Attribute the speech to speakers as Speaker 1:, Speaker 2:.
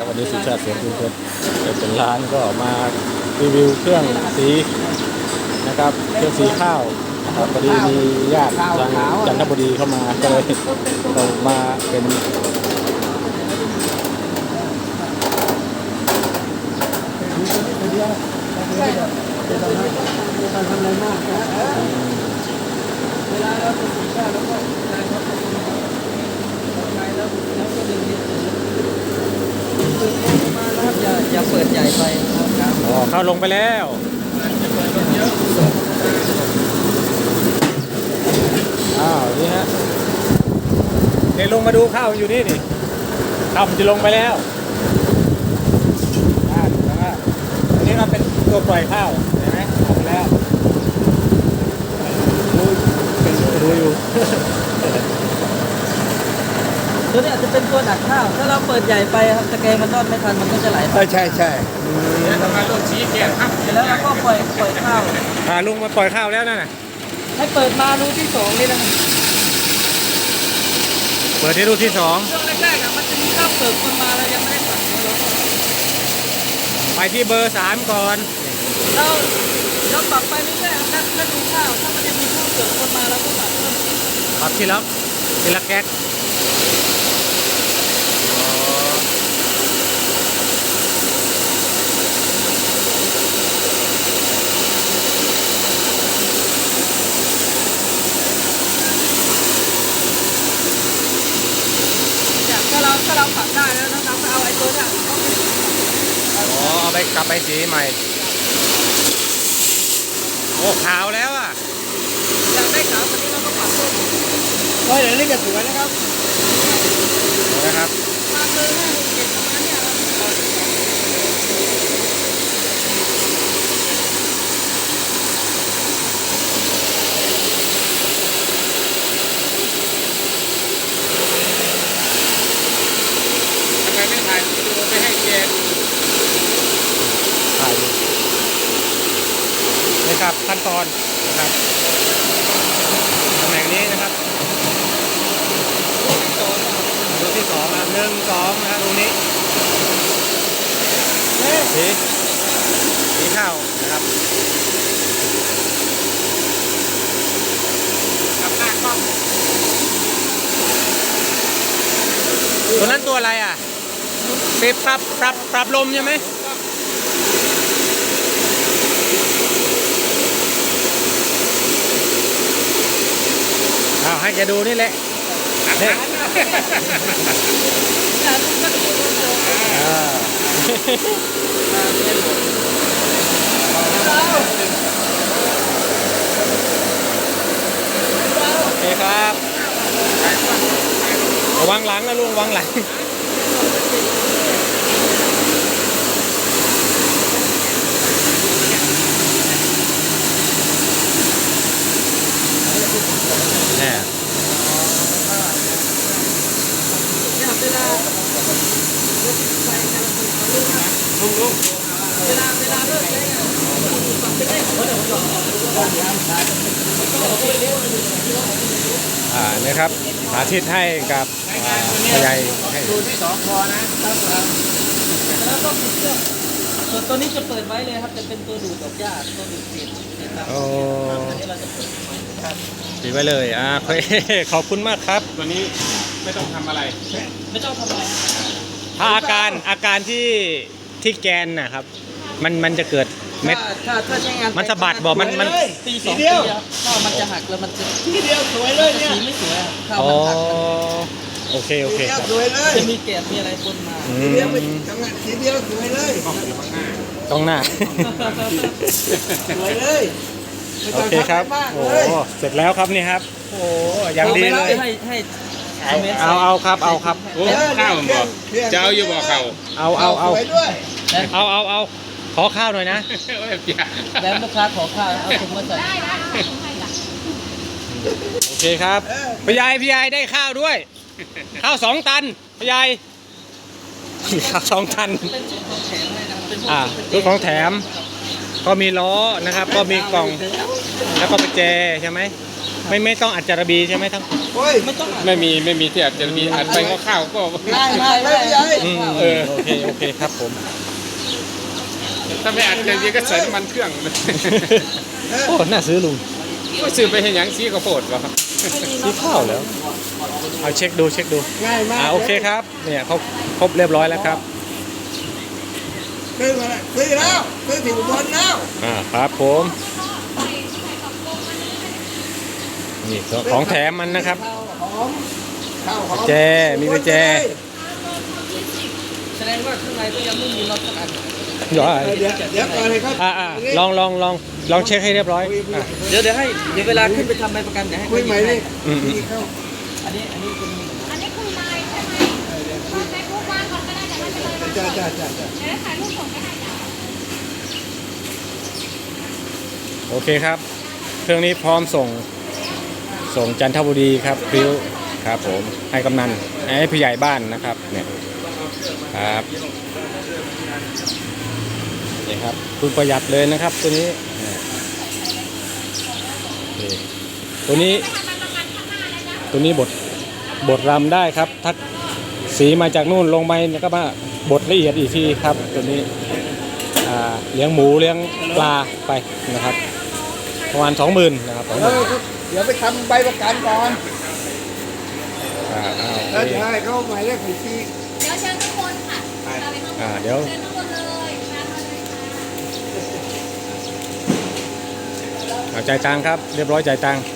Speaker 1: วันนี้สุชาติเสียงคุณเพชรเป็นร้านก็มารีวิวเครื่องสีนะครับเครื่องสีข้าวนะครับพอดีมีญาติทางจันทบุรีเข้ามาก็เลยเรามาเป็น
Speaker 2: เวลาเราจะสีข้าวแล้วก็นายเขาจะมาไปแล้วก็ดึงนิดนึงดึงมาแล้วอย่าเปิดใหญ่ไปครับ
Speaker 1: อ๋อเข้าลงไปแล้วอ้าวนี่ฮะเดี๋ยวลงมาดูข้าวอยู่นี่นี่ข้าวมันจะลงไปแล้วอันนี้เราเป็นตัวปล่อยข้าวเห็นไหมออกมาแล้วดูอยู่
Speaker 2: ตัวนี้อาจจะเป็นตัวหนักข้าว ถ้าเราเปิดใหญ่ไปครับตะแกรงมันทอดไม่ทันมันก็จะไหลไป
Speaker 3: ใช่
Speaker 4: เนี่ยทำไมต้องชี้แกะครับ
Speaker 2: เสร็จแล้วเราก็ปล่อยข้าว
Speaker 1: ลุงมาปล่อยข้าวแล้วนั่นน่ะ
Speaker 2: ให้เปิดมารูที่สองนี่นะครับ
Speaker 1: เปิดที่รูที่สอง
Speaker 2: ช่วงแรกๆมันจะมีข้าวเปิดคนมาแล้วยังไม่ได้ตัดเราก็
Speaker 1: ไปที่เบอร์3ก่อน
Speaker 2: เราปรับไปเรื่อยๆถ้าดูข้าวถ้ามันยังมีข้าวเปิดคนมาเราก็ตัดเพิ่ม
Speaker 1: ปรับทีละแก๊ส
Speaker 2: ถ้าเราปรับได้แล้วเราก็เอาไอ้ตัวเนี้ย
Speaker 1: เอาไปกลับไปสีใหม่โอ้ขาวแล้วอ่ะ
Speaker 2: อยากได้ขาวกว่านี้เราก็ปรับเพิ่ม
Speaker 3: เฮ้ยเดี๋ยวนี้ก็สวยนะครับ
Speaker 1: นะครับ
Speaker 2: มาเบอร์5 6 7ประมาณเนี้ยครับ
Speaker 4: ทำไมไม่ถ่ายวิดีโอไปให้แกดู
Speaker 1: ถ่ายดูนี่ครับขั้นตอนนะครับตำแหน่งนี้นะครับรูที่สองนะครับ1 2นะครับตรงนี้สีข้าวนะครับ
Speaker 4: กับหน้ากล้อง
Speaker 1: ตัวนั้นตัวอะไรอ่ะปรับลมใช่ไหมให้แกดูนี่แหละเนี่ย
Speaker 2: อยากดูก็ดู
Speaker 1: โอเคครับระวังหลังนะลุงระวังหลังเนี่ย
Speaker 2: เนี่ยเวลาไฟกัน
Speaker 4: ลุง
Speaker 2: เวลาเลิกใช้งานปรับเป็นเลขของเดี๋ยวผมบอก
Speaker 1: นะครับสาธิตให้กับผู้ใหญ่ให้
Speaker 4: ดูที่2พอนะ
Speaker 2: แล้วก็ปิดเครื่องส่วนตัวนี้จะเปิดไว้เลยครับจะเป็นตัวดูดดอกหญ้าตัวดูดเศษนะครับ
Speaker 1: โอ้
Speaker 2: อันนี้เราจะเปิดไว้ครับ
Speaker 1: ปิดไว้เลยขอบคุณมากครับ
Speaker 4: ตัวนี้ไม่ต้องทำอะไร
Speaker 2: ไม่ต้องทำอะไร
Speaker 1: ถ้าอาการที่แกนนะครับมันจะเกิดเม็ด
Speaker 2: ถ้าใช้งาน
Speaker 1: มันสะบัดบอกมัน
Speaker 2: ปี2 ปีครับข้าวมันจะหักแล้วมันจะ
Speaker 3: ทีเดียวสวยเลยเนี่ย
Speaker 2: สีไม่สวยอะข้าว
Speaker 1: อ๋อ
Speaker 2: มันหัก
Speaker 1: โอเค
Speaker 3: ทีเดียว
Speaker 1: ครับ
Speaker 3: สวยเลย
Speaker 2: จะมีแกะมีอะไรปนมา
Speaker 1: อื
Speaker 3: ทีเดียว
Speaker 1: ม
Speaker 3: ไปทำงานทีเดียวสวยเลย
Speaker 1: ต้องหน้า
Speaker 3: สวยเลยไม่
Speaker 1: โอ
Speaker 3: ต้อง
Speaker 1: เคครับ
Speaker 3: ทำอะไรมาก
Speaker 1: โอ้
Speaker 3: เลย
Speaker 1: เสร็จแล้วครับนี่ครับโอ้อย่างดีเลย
Speaker 2: ให้
Speaker 1: เอาครับเอาครับ
Speaker 4: โอ้ข้าวมันบอกจะเอาอยู่บ่เขา
Speaker 1: เอา
Speaker 3: สวยด้วย
Speaker 1: เอาขอข้าวหน่อยนะ
Speaker 4: โอ้ยเปียก
Speaker 2: แล้วลูกค้าขอข้าวเอาถุงมาใส่
Speaker 1: โอเคครับพี่ใหญ่ได้ข้าวด้วย ข้าว2 ตันพี่ใหญ่ข้าว2 ตัน
Speaker 2: เป็นชุดของแถมเลยนะเป็นพวก
Speaker 1: ชุดของแถม ก็มีล้อนะครับ ก็มีกล่องแล้วก็ประแจใช่ไหมไม่ต้องอัดจารบีใช่ไหมทั้ง
Speaker 3: โอ้ย
Speaker 2: ไม่ต้อง
Speaker 4: ไม่มีที่อาจจะมีอัดไปก็ข้าวก็
Speaker 3: ง่ายมากเลยพี่ใหญ่
Speaker 1: โอเคครับผม
Speaker 4: ถ้าไม่อัดอย่างนี้ก็ใส่น้ำมันเครื่อง
Speaker 1: โอ้น่าซื้อลุง
Speaker 4: ก็ซื้อไปให้หยังซีข้าวโพดก็
Speaker 1: ซื้อข้าวแล้วเอาเช็คดู
Speaker 3: ง่ายมาก
Speaker 1: โอเคครับเนี่ยเขาครบเรียบร้อยแล้วครับ
Speaker 3: ซื้อมาแล้วซื้อแล้วซื้อถึงบนแล้ว
Speaker 1: ครับผมนี่ของแถมมันนะครับ
Speaker 3: ข้าวหอมข้าวหอม
Speaker 1: แจมีกุญแจ
Speaker 2: แสดงว่าข้างในก็ยังไม่มีน็อตสักอัน
Speaker 1: เดี๋ยว
Speaker 3: เดี๋ยวก่อนเลยครับ
Speaker 1: ลองเช็คให้เรียบร้อย
Speaker 2: เดี๋ยวให้เดี๋ยวเวลาขึ้นไปทำใบประกันเดี๋ยวให้
Speaker 3: คุยใหม่ดิ
Speaker 2: อันนี้เป็น
Speaker 5: อันนี้คือไลน์ใช่ไหมเฟซบุ๊กว่างก่อนก็ได้แต่ไม่เป็นไร
Speaker 3: จ้า
Speaker 5: เดี๋ยวถ่ายรูปส่งไปให้จ้ะ
Speaker 1: โอเคครับ เครื่องนี้พร้อมส่งจันทบุรีครับพริ้วครับผมให้กำนันให้ผู้ใหญ่บ้านนะครับเนี่ยครับนี่ครับคุณประหยัดเลยนะครับตัวนี้นี่ตัวนี้บดรำได้ครับถ้าสีมาจากนู่นลงไปก็มาบดละเอียดอีกทีครับตัวนี้เลี้ยงหมูเลี้ยงปลาไปนะครับประมาณ 20,000นะครับ
Speaker 3: เดี๋ยวไปทำใบประกันก่อน
Speaker 1: 20,000
Speaker 3: แล้วจะให้เขาหมายเลขบัญชี
Speaker 5: เดี๋ยวเชิญทุกคนค่ะเราไปข้างบน
Speaker 1: เดี๋ยว
Speaker 5: เชิญทุกคนเลยมาเลยค่ะ
Speaker 1: จ่ายตังค์ครับเรียบร้อยจ่ายตังค์